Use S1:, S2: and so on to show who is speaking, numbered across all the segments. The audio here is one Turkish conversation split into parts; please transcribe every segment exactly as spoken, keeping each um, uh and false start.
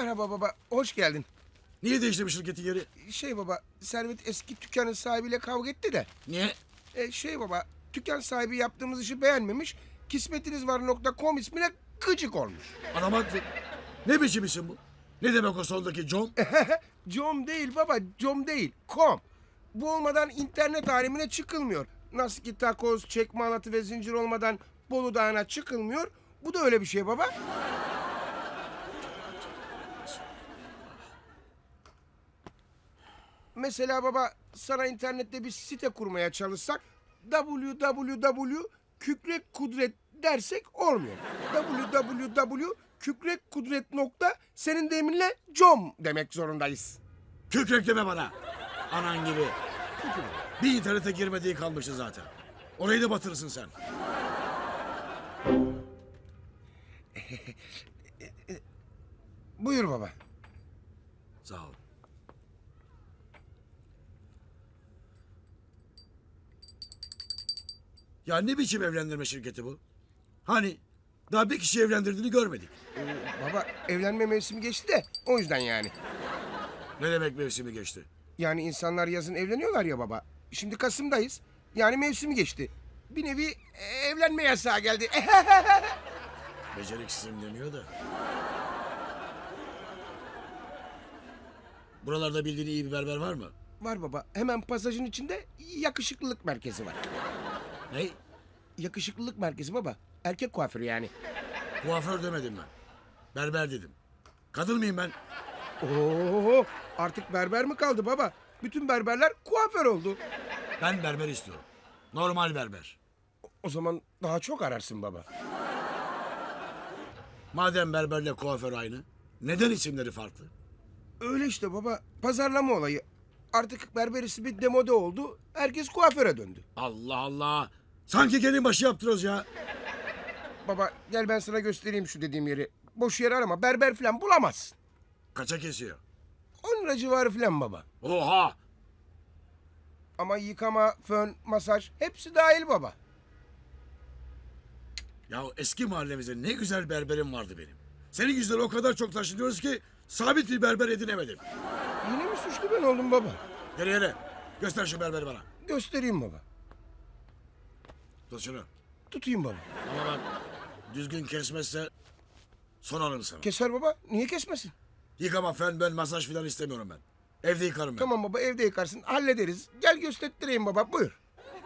S1: Merhaba baba, hoş geldin.
S2: Niye değişti bu şirketin yeri?
S1: Şey baba, Servet eski dükkanın sahibiyle kavga etti de.
S2: Niye?
S1: E, şey baba, dükkan sahibi yaptığımız işi beğenmemiş. Kismetinizvar nokta com ismine gıcık olmuş.
S2: Adam haklı. Ne biçim isim bu? Ne demek o sondaki com?
S1: Com değil baba, com değil, com. Bu olmadan internet alemine çıkılmıyor. Nasıl ki takoz, çekme halatı ve zincir olmadan Bolu Dağı'na çıkılmıyor. Bu da öyle bir şey baba. Mesela baba, sana internette bir site kurmaya çalışsak w w w kükrek kudret dersek olmuyor. w w w kükrek kudret nokta senin deminle com demek zorundayız.
S2: Kükrek deme bana. Anan gibi. Bir internete girmediği kalmıştı zaten. Orayı da batırırsın sen.
S1: Buyur baba.
S2: Sağ ol. Ya ne biçim evlendirme şirketi bu? Hani daha bir kişi evlendirdiğini görmedik.
S1: Ee, baba, evlenme mevsimi geçti de o yüzden yani.
S2: Ne demek mevsimi geçti?
S1: Yani insanlar yazın evleniyorlar ya baba. Şimdi Kasım'dayız. Yani mevsimi geçti. Bir nevi e, evlenme yasağı geldi.
S2: Beceriksizim demiyor da. Buralarda bildiğin iyi bir berber var mı?
S1: Var baba. Hemen pasajın içinde yakışıklılık merkezi var.
S2: Ne?
S1: Yakışıklılık merkezi baba. Erkek kuaförü yani.
S2: Kuaför demedim ben. Berber dedim. Kadın mıyım ben?
S1: Oo, artık berber mi kaldı baba? Bütün berberler kuaför oldu.
S2: Ben berber istiyorum. Normal berber.
S1: O zaman daha çok ararsın baba.
S2: Madem berberle kuaför aynı, neden isimleri farklı?
S1: Öyle işte baba. Pazarlama olayı. Artık berber ismi demode oldu. Herkes kuaföre döndü.
S2: Allah Allah! Sanki gelin başı yaptırıyoruz ya.
S1: Baba gel ben sana göstereyim şu dediğim yeri. Boş yer arama. Berber falan bulamazsın.
S2: Kaça kesiyor?
S1: on lira civarı falan baba.
S2: Oha!
S1: Ama yıkama, fön, masaj hepsi dahil baba.
S2: Ya eski mahallemizde ne güzel berberim vardı benim. Senin yüzünden o kadar çok taşınıyoruz ki sabit bir berber edinemedim.
S1: Yine mi suçlu ben oldum baba?
S2: Yere yere. Göster şu berberi bana.
S1: Göstereyim baba.
S2: Tut şunu.
S1: Tutayım baba.
S2: Ama bak düzgün kesmezse son alırım sana.
S1: Keser baba. Niye kesmesin?
S2: Yıkama, fen, ben masaj falan istemiyorum ben. Evde yıkarım ben.
S1: Tamam baba, evde yıkarsın. Hallederiz. Gel göstereyim baba. Buyur.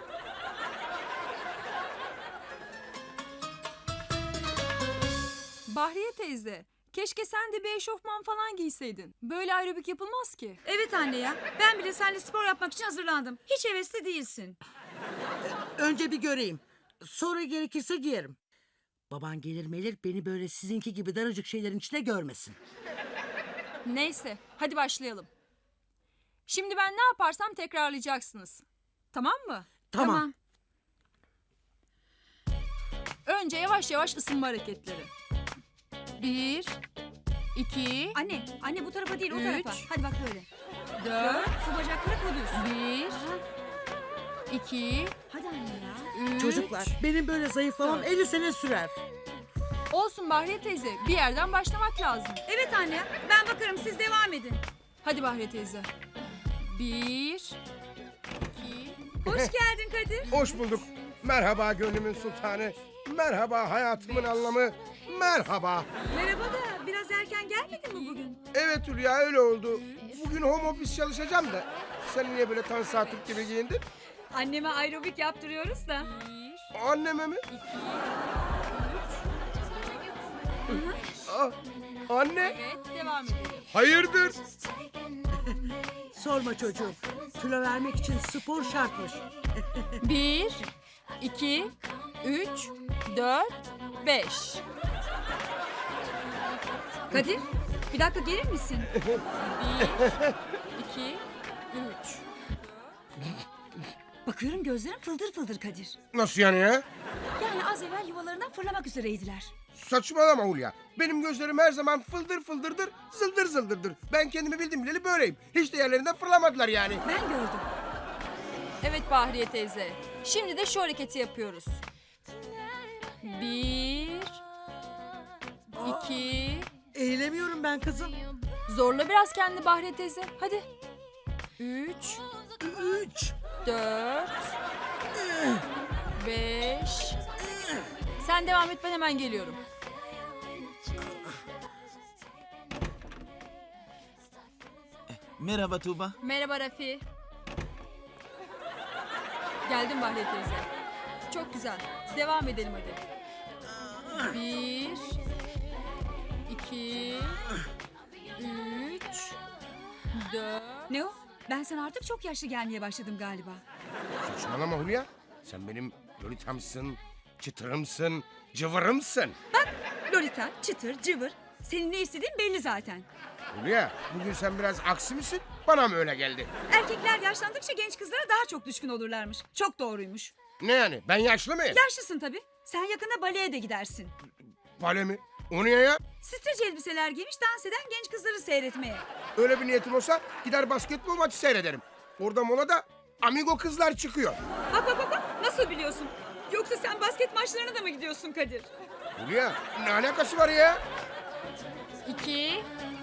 S3: Bahriye teyze, keşke sen de bir eşofman falan giyseydin. Böyle aerobik yapılmaz ki.
S4: Evet anne ya. Ben bile seninle spor yapmak için hazırlandım. Hiç hevesli değilsin.
S5: Önce bir göreyim. Sonra gerekirse giyerim. Baban gelir melir beni böyle sizinki gibi daracık şeylerin içine görmesin.
S3: Neyse, hadi başlayalım. Şimdi ben ne yaparsam tekrarlayacaksınız. Tamam mı?
S5: Tamam.
S3: Önce yavaş yavaş ısınma hareketleri. Bir, iki,
S4: Anne, anne bu tarafa değil o
S3: Üç.
S4: tarafa. Hadi bak böyle.
S3: dört,
S4: Şu bacakları koy düz.
S3: bir, iki,
S4: Hadi anne ya.
S3: üç.
S5: Çocuklar benim böyle zayıflamam
S3: Dört.
S5: elli sene sürer.
S3: Olsun Bahriye teyze, bir yerden başlamak lazım.
S4: Evet anne, ben bakarım siz devam edin.
S3: Hadi Bahriye teyze. Bir, iki,
S4: Hoş geldin Kadir.
S1: Hoş bulduk. Merhaba gönlümün sultanı. Merhaba hayatımın anlamı. Merhaba.
S4: Merhaba da biraz erken gelmedin mi bugün?
S1: Evet Hülya, öyle oldu. Bugün home office çalışacağım da. Sen niye böyle Tansa Türk gibi giyindin?
S4: Anneme aerobik yaptırıyoruz da.
S3: bir,
S1: Anneme mi?
S3: iki,
S1: Ah, anne.
S3: evet devam edelim.
S1: Hayırdır?
S5: Sorma çocuğum. Kilo vermek için spor şartmış.
S3: Bir, iki, üç, dört, beş.
S4: Kadir, bir dakika gelir misin?
S3: Bir, iki, üç.
S4: Bakıyorum gözlerin fıldır fıldır Kadir.
S1: Nasıl yani ya?
S4: Yani az evvel yuvalarından fırlamak üzereydiler.
S1: Saçmalama Hulya. Benim gözlerim her zaman fıldır fıldırdır, zıldır zıldırdır. Ben kendimi bildim bileli böyleyim. Hiç de yerlerinden fırlamadılar yani.
S4: Ben gördüm.
S3: Evet Bahriye teyze. Şimdi de şu hareketi yapıyoruz. Bir, iki,
S5: Eğilemiyorum ben kızım.
S3: Zorla biraz kendini Bahriye teyze. Hadi. Üç,
S5: Üç.
S3: dört, beş. Sen devam et, ben hemen geliyorum.
S6: Merhaba Tuğba.
S3: Merhaba Rafi. Geldim Bahriye teyze. Çok güzel. Devam edelim hadi. Bir, iki, üç, dört.
S4: Ne o? Ben sana artık çok yaşlı gelmeye başladım galiba.
S1: Saçmalama Hulya. Sen benim lolitamsın, çıtırımsın, cıvırımsın.
S4: Lolita, çıtır, cıvır. Senin ne istediğin belli zaten.
S1: Hulya, bugün sen biraz aksi misin? Bana mı öyle geldi?
S4: Erkekler yaşlandıkça genç kızlara daha çok düşkün olurlarmış. Çok doğruymuş.
S1: Ne yani? Ben yaşlı mıyım?
S4: Yaşlısın tabii. Sen yakında baleye de gidersin.
S1: Bale mi? O niye ya?
S4: Streç elbiseler giymiş dans eden genç kızları seyretmeye.
S1: Öyle bir niyetim olsa gider basketbol maçı seyrederim. Orada molada amigo kızlar çıkıyor.
S4: Bak bak bak bak, nasıl biliyorsun? Yoksa sen basket maçlarına da mı gidiyorsun Kadir?
S1: Hulya, ne alakası var ya?
S3: İki,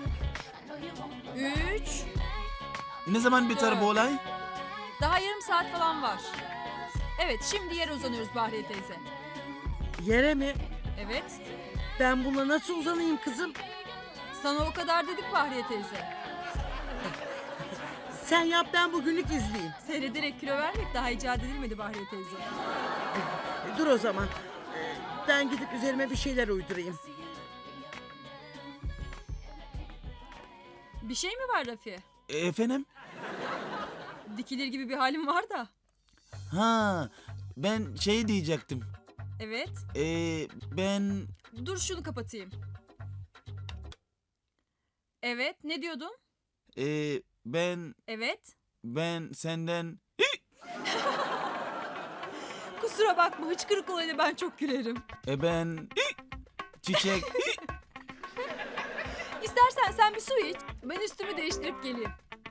S3: üç.
S6: Ne zaman biter bu olay?
S3: Daha yarım saat falan var. Evet, şimdi yere uzanıyoruz Bahriye teyze.
S5: Yere mi?
S3: Evet.
S5: Ben buna nasıl uzanayım kızım?
S3: Sana o kadar dedik Bahriye teyze.
S5: Sen yap, ben bugünlük izleyeyim.
S3: Seyrederek kilo vermek daha icat edilmedi Bahriye teyze.
S5: Dur o zaman. Ee, Ben gidip üzerime bir şeyler uydurayım.
S3: Bir şey mi var Rafi?
S6: E, efendim?
S3: Dikilir gibi bir halim var da.
S6: Ha, ben şey diyecektim.
S3: Evet.
S6: E, ben
S3: Dur şunu kapatayım. Evet, ne diyordun?
S6: e, ben
S3: Evet.
S6: ben senden
S3: Kusura bakma, hıçkırık olayına ben çok gülerim.
S6: e, ben çiçek
S3: İstersen sen bir su iç. Ben üstümü değiştirip geleyim.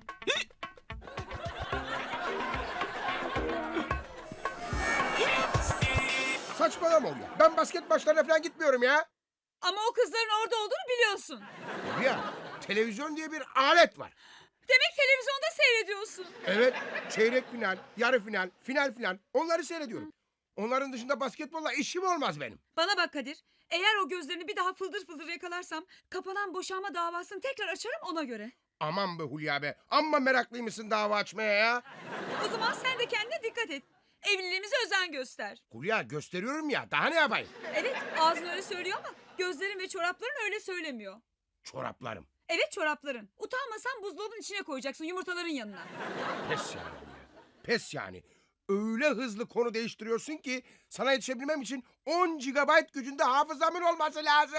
S1: Saçmalama Hulya. Ben basket maçlarına falan gitmiyorum ya.
S4: Ama o kızların orada olduğunu biliyorsun.
S1: Hulya, televizyon diye bir alet var.
S4: Demek televizyonda seyrediyorsun.
S1: Evet, çeyrek final, yarı final, final final onları seyrediyorum. Onların dışında basketbolla işim olmaz benim.
S4: Bana bak Kadir. Eğer o gözlerini bir daha fıldır fıldır yakalarsam kapanan boşanma davasını tekrar açarım ona göre.
S1: Aman be Hulya be, amma meraklıymışsın dava açmaya ya.
S4: O zaman sen de kendine dikkat et. Evliliğimize özen göster.
S1: Hulya gösteriyorum ya, daha ne yapayım?
S4: Evet, ağzın öyle söylüyor ama gözlerin ve çorapların öyle söylemiyor.
S1: Çoraplarım.
S4: Evet, çorapların. Utanmasan buzdolabının içine koyacaksın yumurtaların yanına.
S1: Pes yani Hulya, pes yani. Öyle hızlı konu değiştiriyorsun ki sana yetişebilmem için on gigabayt gücünde hafızamın olması lazım.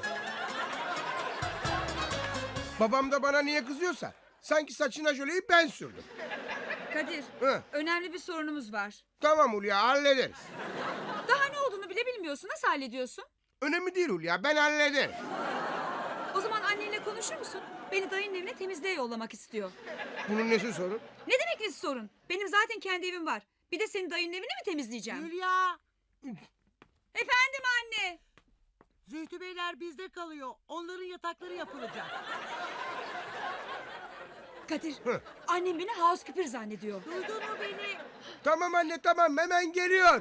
S1: Babam da bana niye kızıyorsa sanki saçına jöleyi ben sürdüm.
S4: Kadir,
S1: Hı.
S4: önemli bir sorunumuz var.
S1: Tamam Hulya, hallederiz.
S4: Daha ne olduğunu bile bilmiyorsun. Nasıl hallediyorsun?
S1: Önemli değil Hulya, ben hallederim.
S4: O zaman annenle konuşur musun? Beni dayının evine temizliğe yollamak istiyor.
S1: Bunun nesi sorun?
S4: Ne demek nesi sorun? Benim zaten kendi evim var. Bir de senin dayının evini mi temizleyeceğim?
S5: Hülya,
S4: Efendim anne.
S5: Zühtü Beyler bizde kalıyor. Onların yatakları yapılacak.
S4: Kadir,
S1: Hı.
S4: annem beni housekeeper zannediyor.
S5: Duydun mu beni?
S1: Tamam anne tamam, hemen geliyor.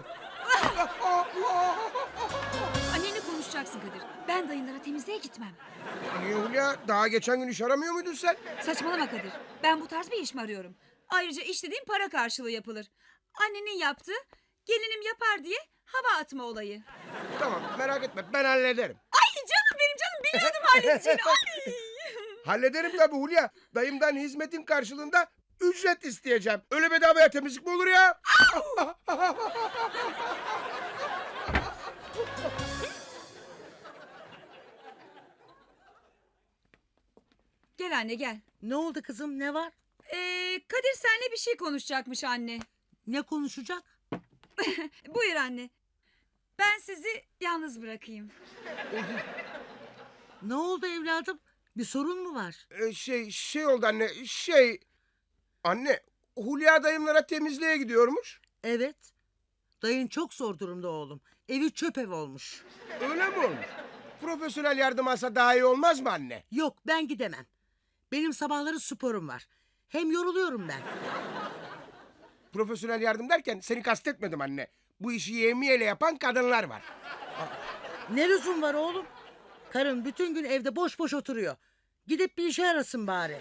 S4: Annenle konuşacaksın Kadir. Ben dayınlara temizliğe gitmem.
S1: Niye Hulya? Daha geçen gün iş aramıyor muydun sen?
S4: Saçmalama Kadir. Ben bu tarz bir iş mi arıyorum? Ayrıca iş dediğim para karşılığı yapılır. Annenin yaptığı gelinim yapar diye hava atma olayı.
S1: Tamam, merak etme, ben hallederim.
S4: Ay canım benim canım, biliyordum halledeceğini. Ay.
S1: Hallederim tabii Hulya. Dayımdan hizmetin karşılığında ücret isteyeceğim. Öyle bedavaya temizlik mi olur ya?
S4: Gel anne gel.
S5: Ne oldu kızım, ne var?
S4: Ee, Kadir seninle bir şey konuşacakmış anne.
S5: Ne konuşacak?
S4: Buyur anne. Ben sizi yalnız bırakayım.
S5: Ne oldu evladım? Bir sorun mu var?
S1: Ee, şey, şey oldu anne, şey... Anne, Hulya dayımlara temizliğe gidiyormuş.
S5: Evet. Dayın çok zor durumda oğlum. Evi çöp ev olmuş.
S1: Öyle mi olmuş? Profesyonel yardım alsa daha iyi olmaz mı anne?
S5: Yok ben gidemem. Benim sabahları sporum var. Hem yoruluyorum ben.
S1: Profesyonel yardım derken seni kastetmedim anne. Bu işi yevmiyeyle yapan kadınlar var.
S5: Ne lüzum var oğlum? Karın bütün gün evde boş boş oturuyor. Gidip bir işe arasın bari.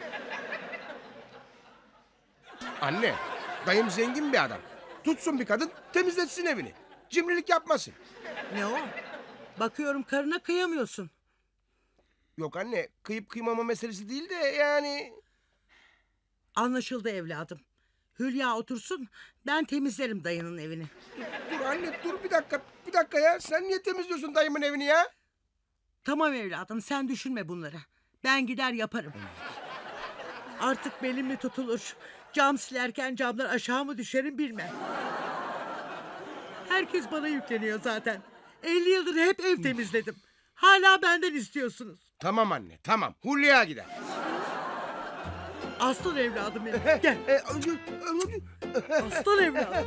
S1: Anne, dayım zengin bir adam. Tutsun bir kadın, temizletsin evini. Cimrilik yapmasın.
S5: Ne o? Bakıyorum karına kıyamıyorsun.
S1: Yok anne, kıyıp kıymama meselesi değil de yani...
S5: Anlaşıldı evladım. Hülya otursun, ben temizlerim dayının evini.
S1: Dur anne, dur bir dakika, bir dakika ya. Sen niye temizliyorsun dayımın evini ya?
S5: Tamam evladım, sen düşünme bunları. Ben gider yaparım. Artık belim mi tutulur? Cam silerken camdan aşağı mı düşerim bilmem. Herkes bana yükleniyor zaten. elli yıldır hep ev temizledim. Hala benden istiyorsunuz.
S1: Tamam anne, tamam. Hulya gider.
S5: Aslan evladım benim. Gel.
S1: E, ö- ö-
S5: Aslan evladım.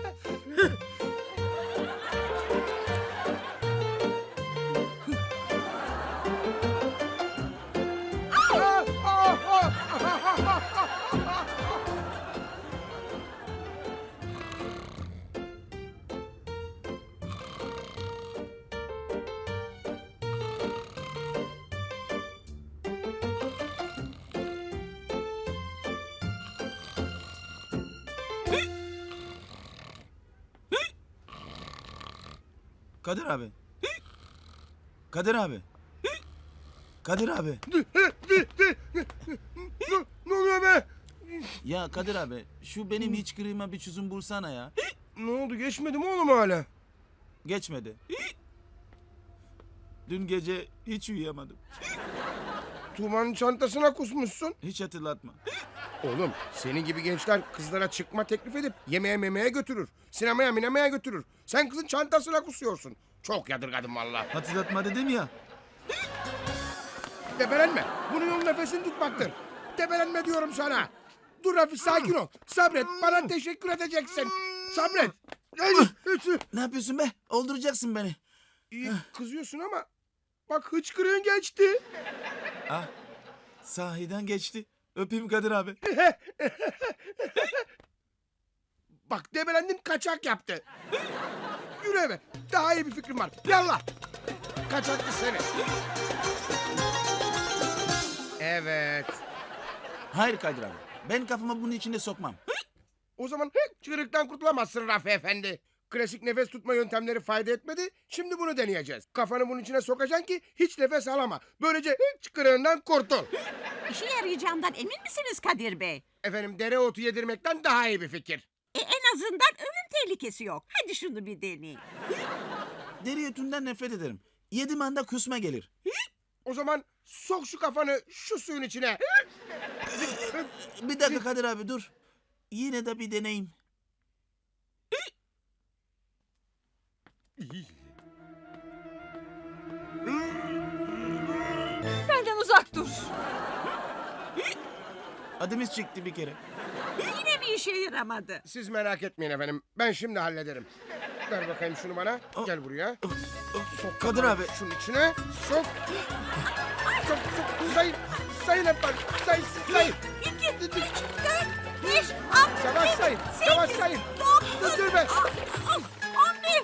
S1: Ah, ah, ah.
S6: Kadir abi. Kadir abi. Kadir abi.
S1: Ne, ne oluyor be?
S6: Ya Kadir abi şu benim hiç kırığıma bir çözüm bulsana ya.
S1: Ne oldu, geçmedi mi oğlum hala?
S6: Geçmedi. Dün gece hiç uyuyamadım.
S1: Tuğmanın çantasına kusmuşsun.
S6: Hiç hatırlatma.
S1: Oğlum, senin gibi gençler kızlara çıkma teklif edip yemeğe memeye götürür. Sinemaya minemaya götürür. Sen kızın çantasına kusuyorsun. Çok yadırgadım valla.
S6: Hatırlatma dedim ya.
S1: Debelenme. Bunun yolu nefesini tutmaktır. Debelenme diyorum sana. Dur Rafi, sakin ol. Sabret, bana teşekkür edeceksin. Sabret.
S6: Ne yapıyorsun be? Olduracaksın beni.
S1: İyi kızıyorsun ama bak hıçkırığın geçti.
S6: Ah, sahiden geçti. Öpeyim Kadir abi.
S1: Bak debelendin, kaçak yaptı. Yürü eve. Daha iyi bir fikrim var. Yallah. Kaçaklı seni. Evet.
S6: Hayır Kadir abi. Ben kafamı bunun içine sokmam.
S1: O zaman çığırıktan kurtulamazsın Rafi Efendi. Klasik nefes tutma yöntemleri fayda etmedi. Şimdi bunu deneyeceğiz. Kafanı bunun içine sokacaksın ki hiç nefes alama. Böylece çıkırığından kurtul.
S7: İşe yarayacağından emin misiniz Kadir Bey?
S1: Efendim, dereotu yedirmekten daha iyi bir fikir.
S7: E, en azından ölüm tehlikesi yok. Hadi şunu bir deneyin.
S6: Deri ötünden nefret ederim. Yedim anda kusma gelir.
S1: O zaman sok şu kafanı şu suyun içine.
S6: Bir dakika Kadir abi dur. Yine de bir deneyim.
S3: Benden uzak dur.
S6: Adımız çıktı bir kere.
S7: Yine bir işe yaramadı.
S1: Siz merak etmeyin efendim. Ben şimdi hallederim. Ver bakayım şunu bana. Gel buraya. Sok
S6: Kadir
S1: kafanı
S6: abi.
S1: şunun içine. Sok. Sok sok. Sayın. Sayın efendim. Sayın. Sayın.
S7: İki, üç, dört, beş, altı,
S1: Yavaş
S7: yedi,
S1: sayın.
S7: sekiz,
S1: Yavaş sayın.
S7: dokuz,
S1: Dur, dur be.
S7: on, on bir,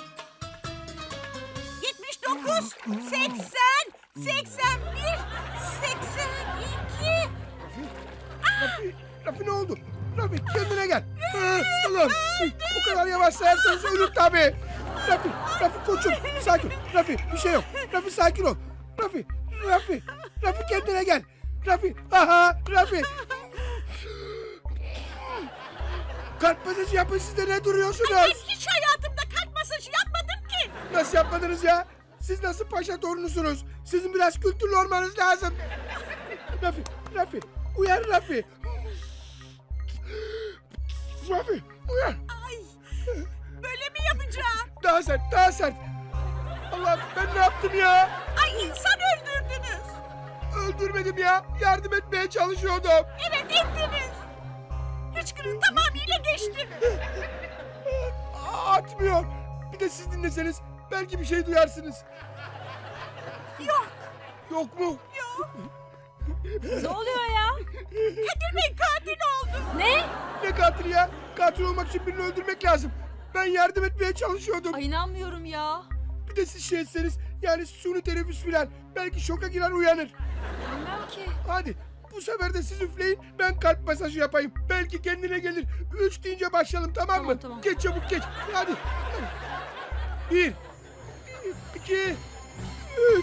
S7: yetmiş dokuz, seksen, seksen bir, seksen iki.
S1: Rafi, Rafi ne oldu? Rafi kendine gel. Ha, ulan, o kadar yavaş sayarsanız ölür tabii. Rafi, Rafi koçum sakin. Rafi bir şey yok. Rafi sakin ol. Rafi, Rafi, Rafi kendine gel. Rafi, aha Rafi. Kalp masajı yapın, siz de ne duruyorsunuz?
S7: Ben hiç hayatımda kalp masajı yapmadım ki.
S1: Nasıl yapmadınız ya? Siz nasıl paşa torunusunuz? Sizin biraz kültürlü olmanız lazım. Rafi, Rafi, uyan Rafi. Rafi, uyan.
S7: Ay, böyle mi yapacağım?
S1: Daha sert, daha sert. Allah, ben ne yaptım ya?
S7: Ay, insan öldürdünüz.
S1: Öldürmedim ya. Yardım etmeye çalışıyordum.
S7: Evet, ettiniz. Hıçkırık tamamıyla geçti.
S1: Atmıyor. Bir de siz dinleseniz belki bir şey duyarsınız.
S7: Yok.
S1: Yok mu?
S3: Ne oluyor ya?
S7: Kadir Bey katil oldu.
S3: Ne?
S1: Ne katili ya? Katil olmak için birini öldürmek lazım. Ben yardım etmeye çalışıyordum.
S3: Ay inanmıyorum ya.
S1: Bir de siz şey etseniz, yani suni teneffüs filan. Belki şoka girer uyanır.
S3: Bilmem ki.
S1: Hadi bu sefer de siz üfleyin, ben kalp masajı yapayım. Belki kendine gelir. Üç deyince başlayalım, tamam mı?
S3: Tamam, tamam.
S1: Geç çabuk geç. Hadi. Bir, iki, üç.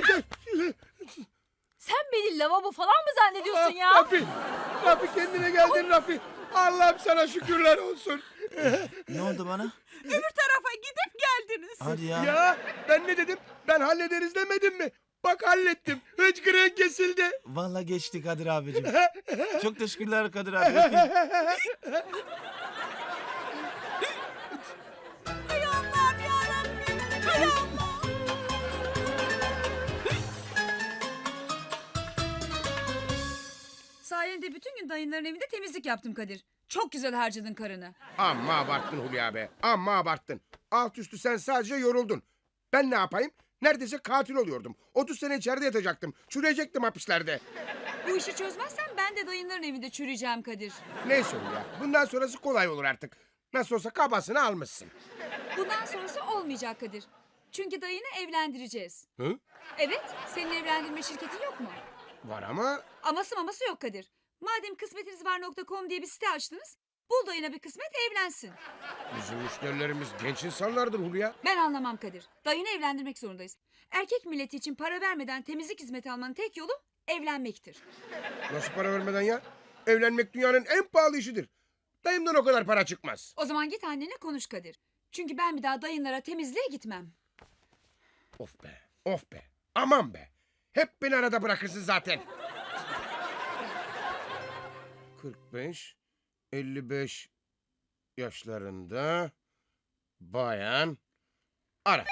S3: Sen beni lavabo falan mı zannediyorsun
S1: Ah,
S3: ya?
S1: Rafi, Rafi kendine geldin Rafi. Allah'ım sana şükürler olsun.
S6: Ne oldu bana?
S7: Öbür tarafa gidip geldiniz.
S6: Hadi ya.
S1: Ya ben ne dedim? Ben hallederiz demedim mi? Bak hallettim. Hıçkırığın kesildi.
S6: Vallahi geçti Kadir abicim. Çok teşekkürler Kadir abi. Öpeyim.
S7: Hay Allah'ım yarabbim. Hay Allah.
S4: Sayende bütün gün dayınların evinde temizlik yaptım Kadir. Çok güzel harcadın karını.
S1: Amma abarttın Hulya be. Amma abarttın. Alt üstü sen sadece yoruldun. Ben ne yapayım? Neredeyse katil oluyordum. otuz sene içeride yatacaktım. Çürüyecektim hapislerde.
S4: Bu işi çözmezsen ben de dayınların evinde çürüyeceğim Kadir.
S1: Neyse Hulya. Bundan sonrası kolay olur artık. Nasıl olsa kabasını almışsın.
S4: Bundan sonrası olmayacak Kadir. Çünkü dayını evlendireceğiz.
S1: Hı?
S4: Evet, senin evlendirme şirketin yok mu?
S1: Var ama
S4: Aması maması yok Kadir. Madem kısmetinizvar nokta com diye bir site açtınız, bul dayına bir kısmet evlensin.
S1: bizim müşterilerimiz genç insanlardır Hulya.
S4: Ben anlamam Kadir. Dayını evlendirmek zorundayız. Erkek milleti için para vermeden temizlik hizmeti almanın tek yolu evlenmektir.
S1: Nasıl para vermeden ya? Evlenmek dünyanın en pahalı işidir. Dayımdan o kadar para çıkmaz.
S4: O zaman git annene konuş Kadir. Çünkü ben bir daha dayınlara temizliğe gitmem.
S1: Of be, of be. Aman be. Hep beni arada bırakırsın zaten. kırk beş, elli beş yaşlarında bayan ara.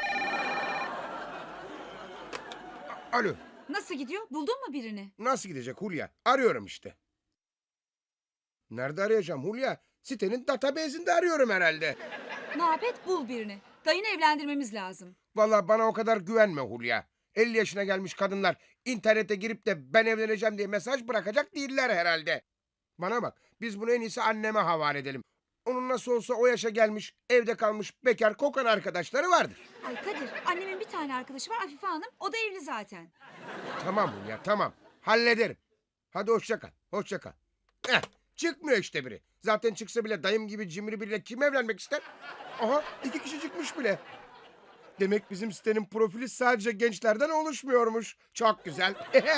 S1: A- Alo,
S4: Nasıl gidiyor? Buldun mu birini?
S1: nasıl gidecek Hulya? Arıyorum işte. Nerede arayacağım Hulya? Sitenin database'inde arıyorum herhalde.
S4: Ne yap et bul birini. Dayını evlendirmemiz lazım.
S1: Vallahi bana o kadar güvenme Hulya. elli yaşına gelmiş kadınlar internete girip de ben evleneceğim diye mesaj bırakacak değiller herhalde. Bana bak, biz bunu en iyisi anneme havale edelim. Onun nasıl olsa o yaşa gelmiş, evde kalmış, bekar, kokan arkadaşları vardır.
S4: Ay Kadir, annemin bir tane arkadaşı var Afife Hanım. O da evli zaten.
S1: Tamam Hulya, tamam. Hallederim. Hadi hoşça kal, hoşça kal. Eh, çıkmıyor işte biri. Zaten çıksa bile dayım gibi cimri biriyle kim evlenmek ister? Aha, iki kişi çıkmış bile. Demek bizim sitenin profili sadece gençlerden oluşmuyormuş. Çok güzel.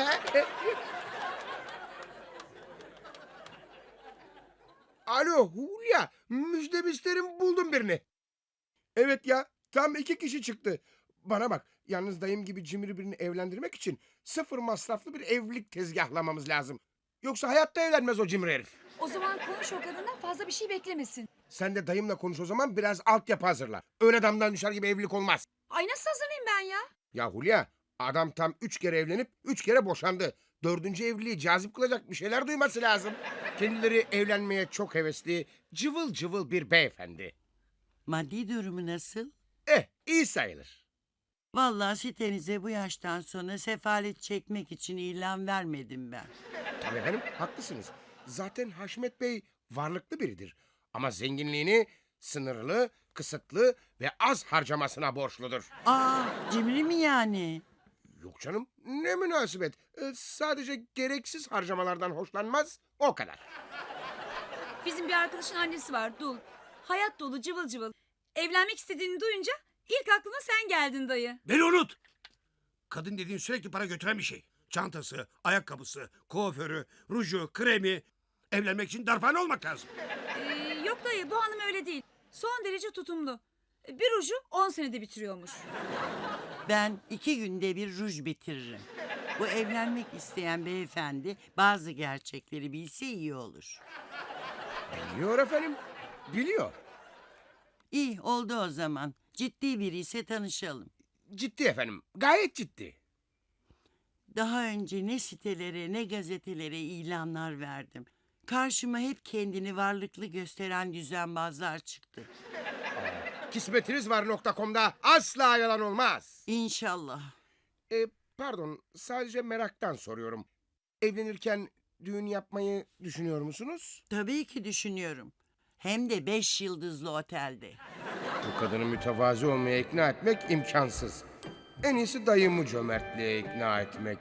S1: Alo Hulya, müjdemi isterim, buldum birini. Evet ya, tam iki kişi çıktı. Bana bak, yalnız dayım gibi cimri birini evlendirmek için sıfır masraflı bir evlilik tezgahlamamız lazım. Yoksa hayatta evlenmez o cimri herif.
S4: O zaman konuş o kadından fazla bir şey beklemesin.
S1: Sen de dayımla konuş o zaman, biraz altyapı hazırla. Öyle damdan düşer gibi evlilik olmaz.
S4: Ay nasıl hazırlayayım ben ya?
S1: Ya Hulya, adam tam üç kere evlenip üç kere boşandı. Dördüncü evliliği cazip kılacak bir şeyler duyması lazım. Kendileri evlenmeye çok hevesli, cıvıl cıvıl bir beyefendi.
S5: Maddi durumu nasıl?
S1: Eh, iyi sayılır.
S5: Vallahi sitenize bu yaştan sonra sefalet çekmek için ilan vermedim ben.
S1: Tabii efendim, haklısınız. Zaten Haşmet Bey varlıklı biridir. Ama zenginliğini sınırlı, kısıtlı ve az harcamasına borçludur.
S5: Aa, cimri mi yani?
S1: Yok canım, ne münasebet. Ee, sadece gereksiz harcamalardan hoşlanmaz, o kadar.
S4: Bizim bir arkadaşın annesi var Dul. Hayat dolu cıvıl cıvıl. Evlenmek istediğini duyunca ilk aklıma sen geldin dayı.
S2: Beni unut. Kadın dediğin sürekli para götüren bir şey. Çantası, ayakkabısı, kuaförü, ruju, kremi. Evlenmek için darphane olmak lazım.
S4: Ee, yok dayı bu hanım öyle değil. Son derece tutumlu. Bir ruju on senede bitiriyormuş.
S5: Ben iki günde bir ruj bitiririm. Bu evlenmek isteyen beyefendi bazı gerçekleri bilse iyi olur.
S1: Biliyor efendim, biliyor.
S5: İyi oldu o zaman. Ciddi biri ise tanışalım.
S1: Ciddi efendim, gayet ciddi.
S5: Daha önce ne sitelere ne gazetelere ilanlar verdim. Karşıma hep kendini varlıklı gösteren düzenbazlar çıktı.
S1: Kismetinizvar nokta com'da asla yalan olmaz.
S5: İnşallah.
S1: Ee, Pardon, sadece meraktan soruyorum. Evlenirken düğün yapmayı düşünüyor musunuz?
S5: Tabii ki düşünüyorum. Hem de beş yıldızlı otelde.
S1: Bu kadını mütevazi olmaya ikna etmek imkansız. En iyisi dayımı cömertliğe ikna etmek.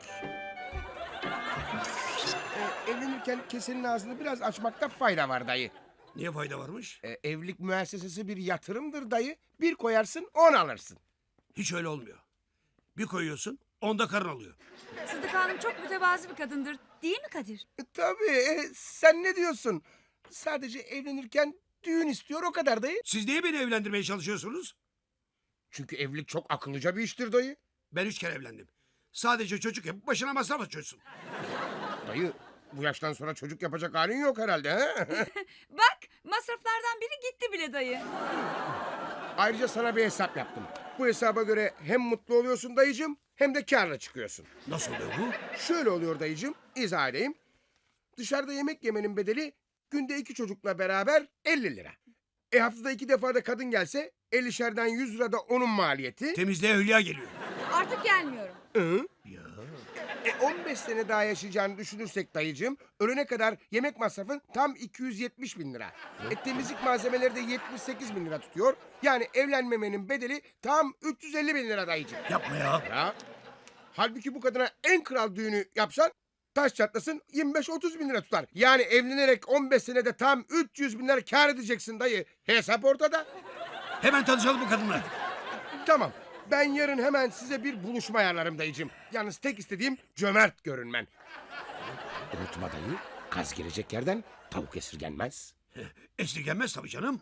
S1: Ee, evlenirken kesenin ağzını biraz açmakta fayda var dayı.
S2: Niye fayda varmış?
S1: Ee, evlilik müessesesi bir yatırımdır dayı. Bir koyarsın, on alırsın.
S2: Hiç öyle olmuyor. Bir koyuyorsun, onda karın alıyor.
S4: Sıdıka Hanım çok mütevazi bir kadındır. Değil mi Kadir?
S1: E, tabii, e, sen ne diyorsun? Sadece evlenirken düğün istiyor, o kadar dayı.
S2: Siz niye beni evlendirmeye çalışıyorsunuz?
S1: Çünkü evlilik çok akıllıca bir iştir dayı.
S2: Ben üç kere evlendim. Sadece çocuk yapıp başına masraf açıyorsun.
S1: Dayı, bu yaştan sonra çocuk yapacak halin yok herhalde. He?
S4: Bak masraflardan biri gitti bile dayı.
S1: Ayrıca sana bir hesap yaptım. Bu hesaba göre hem mutlu oluyorsun dayıcığım, hem de kârla çıkıyorsun.
S2: Nasıl oluyor bu?
S1: Şöyle oluyor dayıcığım, izah edeyim. Dışarıda yemek yemenin bedeli günde iki çocukla beraber elli lira. E haftada iki defa da kadın gelse ellişerden yüz lira da onun maliyeti.
S2: Temizliğe hülya geliyor.
S4: Artık gelmiyorum.
S1: Hı?
S2: Ya.
S1: E on beş sene daha yaşayacağını düşünürsek dayıcığım, ölene kadar yemek masrafın tam iki yüz yetmiş bin lira. E temizlik malzemeleri de yetmiş sekiz bin lira tutuyor. Yani evlenmemenin bedeli tam üç yüz elli bin lira dayıcığım.
S2: Yapma ya.
S1: Ya. Halbuki bu kadına en kral düğünü yapsan taş çatlasın yirmi beş otuz bin lira tutar. Yani evlenerek on beş senede tam üç yüz bin lira kâr edeceksin dayı. Hesap ortada.
S2: Hemen tanışalım bu kadınla.
S1: Tamam. Ben yarın hemen size bir buluşma ayarlarım dayıcığım. Yalnız tek istediğim cömert görünmen. Unutma dayı, kaz gelecek yerden tavuk esirgenmez.
S2: Esirgenmez tabii canım.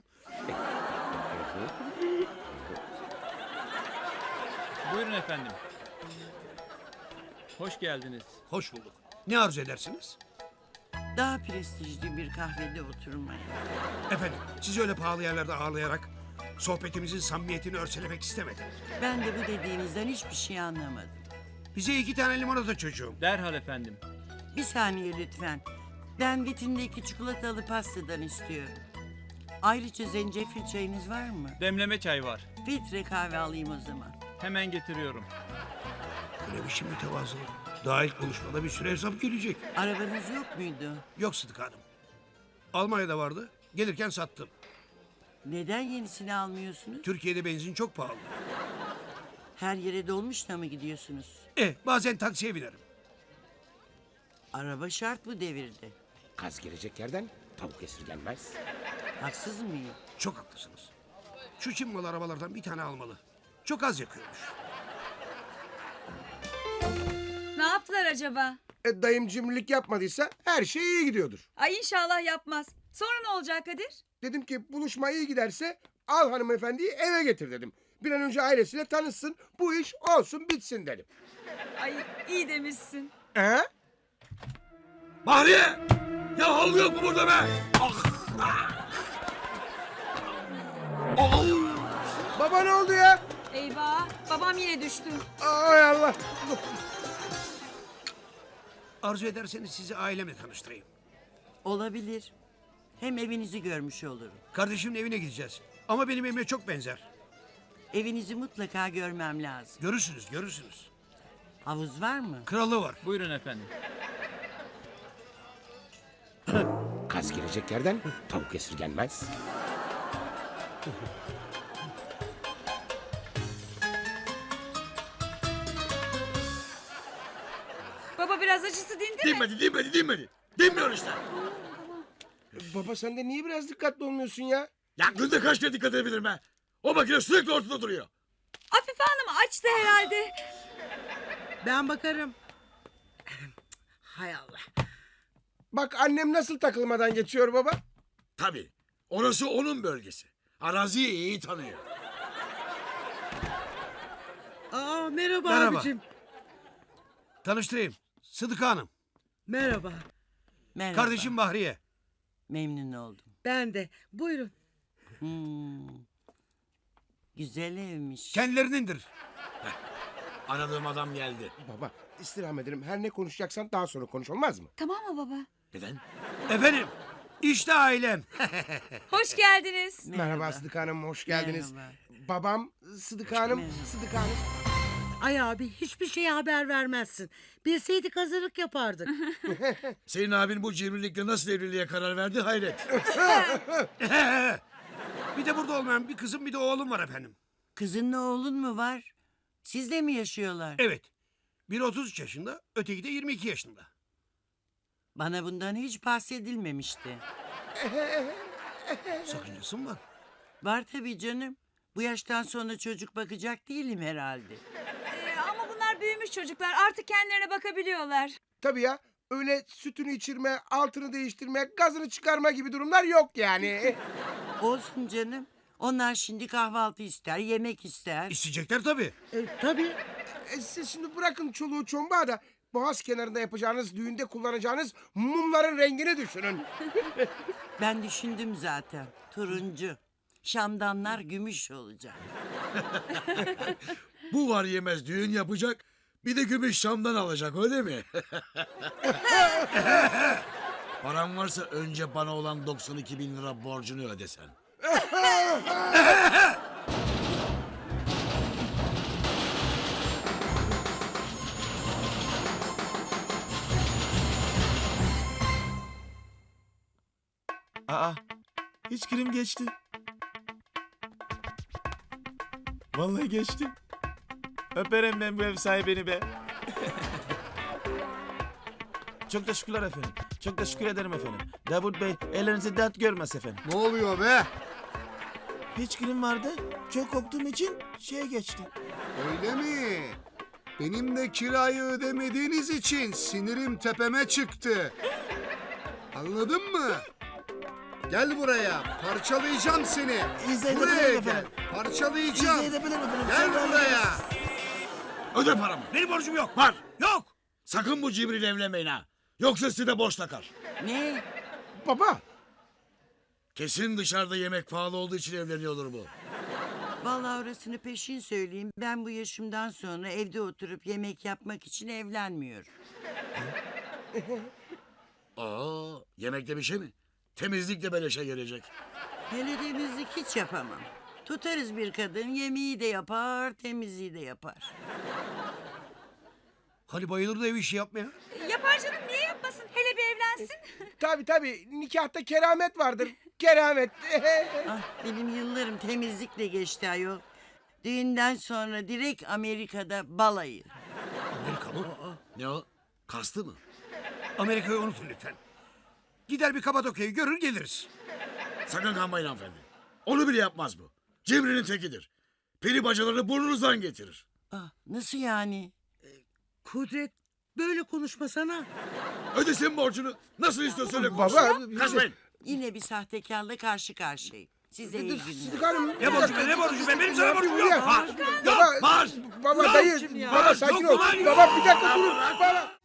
S8: Buyurun efendim. Hoş geldiniz.
S2: Hoş bulduk. Ne arzu edersiniz?
S5: Daha prestijli bir kahvede oturmayı.
S2: Efendim, sizi öyle pahalı yerlerde ağırlayarak sohbetimizin samimiyetini örselemek istemedim.
S5: Ben de bu dediğinizden hiçbir şey anlamadım.
S2: Bize iki tane limonata çocuğum.
S8: Derhal efendim.
S5: Bir saniye lütfen. Ben vitrindeki çikolatalı pastadan istiyorum. Ayrıca zencefil çayınız var mı?
S8: Demleme çay var.
S5: Filtre kahve alayım o zaman.
S8: Hemen getiriyorum.
S2: Öyle bir şey mütevazı. Daha ilk buluşmada bir süre hesap gelecek.
S5: Arabanız yok muydu?
S2: Yok Sıdık Hanım. Almanya'da vardı. Gelirken sattım.
S5: Neden yenisini almıyorsunuz?
S2: Türkiye'de benzin çok pahalı.
S5: Her yere dolmuşla mı gidiyorsunuz?
S2: Eh, bazen taksiye binerim.
S5: Araba şart bu devirde.
S1: Kaz gelecek yerden tavuk esirgenmez.
S5: Haksız mıyım?
S2: Çok haklısınız. Şu Çin malı arabalardan bir tane almalı. Çok az yakıyormuş.
S4: Ne yaptılar acaba?
S1: E dayım cimrilik yapmadıysa her şey iyi gidiyordur.
S4: Ay inşallah yapmaz. Sonra ne olacak Kadir?
S1: Dedim ki buluşma iyi giderse al hanımefendiyi eve getir dedim. Bir an önce ailesiyle tanışsın, bu iş olsun bitsin dedim.
S4: Ay iyi demişsin.
S1: He?
S2: Bahriye! Ya halı yok mu burada be? Ah! Ah!
S1: Baba ne oldu ya?
S4: Eyvah babam yine düştü.
S1: Ay Allah.
S2: Arzu ederseniz sizi ailemle tanıştırayım.
S5: Olabilir. Hem evinizi görmüş olurum.
S2: Kardeşimin evine gideceğiz. Ama benim evime çok benzer.
S5: Evinizi mutlaka görmem lazım.
S2: Görürsünüz, görürsünüz.
S5: Havuz var mı?
S2: Kralı var.
S8: Buyurun efendim.
S1: Kaz gelecek yerden tavuk esirgenmez.
S4: Baba biraz acısı dindi mi?
S2: Dinmedi, dinmedi, dinmedi. Dinmiyor işte.
S1: Baba sen de niye biraz dikkatli olmuyorsun ya?
S2: Ya günde kaç kere dikkat edebilirim ben? O makine sürekli ortada duruyor.
S4: Afife Hanım açtı herhalde.
S5: Ben bakarım. Hay Allah.
S1: Bak annem nasıl takılmadan geçiyor baba.
S2: Tabii. Orası onun bölgesi. Araziyi iyi tanıyor.
S5: Aa merhaba,
S2: Merhaba.
S5: abicim.
S2: Tanıştırayım. Sıdıka Hanım.
S5: Merhaba. Merhaba.
S2: Kardeşim Bahriye.
S5: Memnun oldum.
S7: Ben de. Buyurun.
S5: Hmm. Güzel evmiş.
S2: Kendilerinindir. Aradığım adam geldi.
S1: Baba istirham ederim, her ne konuşacaksan daha sonra konuş, olmaz mı?
S4: Tamam mı baba?
S2: Neden? Efendim. İşte ailem.
S4: Hoş geldiniz.
S1: Merhaba Sıdıka Hanım, hoş geldiniz.
S5: Merhaba.
S1: Babam Sıdıka Hanım,
S5: Merhaba.
S1: Sıdıka Hanım.
S5: Ay abi hiçbir şeye haber vermezsin. Bilseydik hazırlık yapardık.
S9: Senin abin bu cimrilikle nasıl evliliğe karar verdi hayret.
S2: Bir de burada olmayan bir kızım bir de oğlum var efendim.
S10: Kızınla oğlun mu var? Sizle mi yaşıyorlar?
S2: Evet. Biri otuz üç yaşında, öteki de yirmi iki yaşında.
S10: Bana bundan hiç bahsedilmemişti.
S2: Sakıncası mı var?
S10: Var tabii canım. Bu yaştan sonra çocuk bakacak değilim herhalde.
S4: Ee, ama bunlar büyümüş çocuklar. Artık kendilerine bakabiliyorlar.
S1: Tabii ya, öyle sütünü içirme, altını değiştirme, gazını çıkarma gibi durumlar yok yani.
S10: Olsun canım. Onlar şimdi kahvaltı ister, yemek ister.
S2: İsteyecekler tabii.
S5: E, tabii.
S1: E, siz şimdi bırakın çoluğu çombağı da boğaz kenarında yapacağınız düğünde kullanacağınız mumların rengini düşünün.
S10: Ben düşündüm zaten. Turuncu. Şamdanlar gümüş olacak.
S9: Bu var yemez düğün yapacak. Bir de gümüş Şam'dan alacak öyle mi? Paran varsa önce bana olan doksan iki bin lira borcunu ödesen.
S6: Aa, hiç kirim geçti. Vallahi geçti. Öperim ben bu ev sahibini be. Çok teşekkürler efendim. Çok teşekkür ederim efendim. Davut Bey ellerinizi dert görmez efendim.
S11: Ne oluyor be?
S6: Hiç kirim vardı. Çok korktuğum için şeye geçti.
S11: Öyle mi? Benim de kirayı ödemediğiniz için sinirim tepeme çıktı. Anladın mı? Gel buraya. Parçalayacağım seni.
S6: İzah
S11: Buraya
S6: edebilirim
S11: gel.
S6: efendim.
S11: Parçalayacağım.
S6: İzah edebilirim efendim.
S11: Gel
S6: Sen rahat
S11: buraya.
S6: olun.
S9: Öde paramı.
S2: Benim borcum yok.
S9: Var.
S2: Yok.
S9: Sakın bu cibriyle evlenmeyin ha. Yoksa size de borç takar.
S10: Ne?
S1: Baba,
S9: Kesin dışarıda yemek pahalı olduğu için evleniyordur bu.
S10: Vallahi orasını peşin söyleyeyim. Ben bu yaşımdan sonra evde oturup yemek yapmak için evlenmiyorum.
S9: Aa, yemekte bir şey mi? Temizlik de beleşe gelecek.
S10: Hele temizlik hiç yapamam. Tutarız bir kadın, yemeği de yapar, temizliği de yapar.
S2: Hani bayılır da ev işi yapmaya.
S4: Yapar canım, niye yapmasın? Hele bir evlensin.
S1: tabii tabii nikahta keramet vardır. Keramet.
S10: Ah, benim yıllarım temizlikle geçti ayol. Düğünden sonra direkt Amerika'da balayı.
S2: Amerika mı?
S9: Ne o? Kastı mı?
S2: Amerika'yı unutun lütfen. Gider bir Kapadokya'yı görür geliriz.
S9: Sakın kanmayın hanımefendi. Onu bile yapmaz bu. Cimrinin tekidir. Peri bacalarını burnunuzdan getirir.
S10: Ah, nasıl yani?
S5: Kudret böyle konuşmasana.
S9: Ödesin borcunu. Nasıl istiyorsa öyle
S1: Baba,
S9: konuşsun.
S1: biz-
S9: Kaçmayın.
S10: Yine bir sahtekarla karşı karşıyayım. Size iyi günler.
S1: Sıdık Hanım.
S2: Ne borcu be ne borcu be benim sana borcum yok.
S1: Ya.
S2: Var.
S1: Baba,
S2: Var.
S1: baba
S2: Yok.
S1: dayı,
S5: ya.
S1: baba sakin
S2: Yok
S1: ol.
S2: ulan, yok.
S1: Baba bir dakika durun. Baba.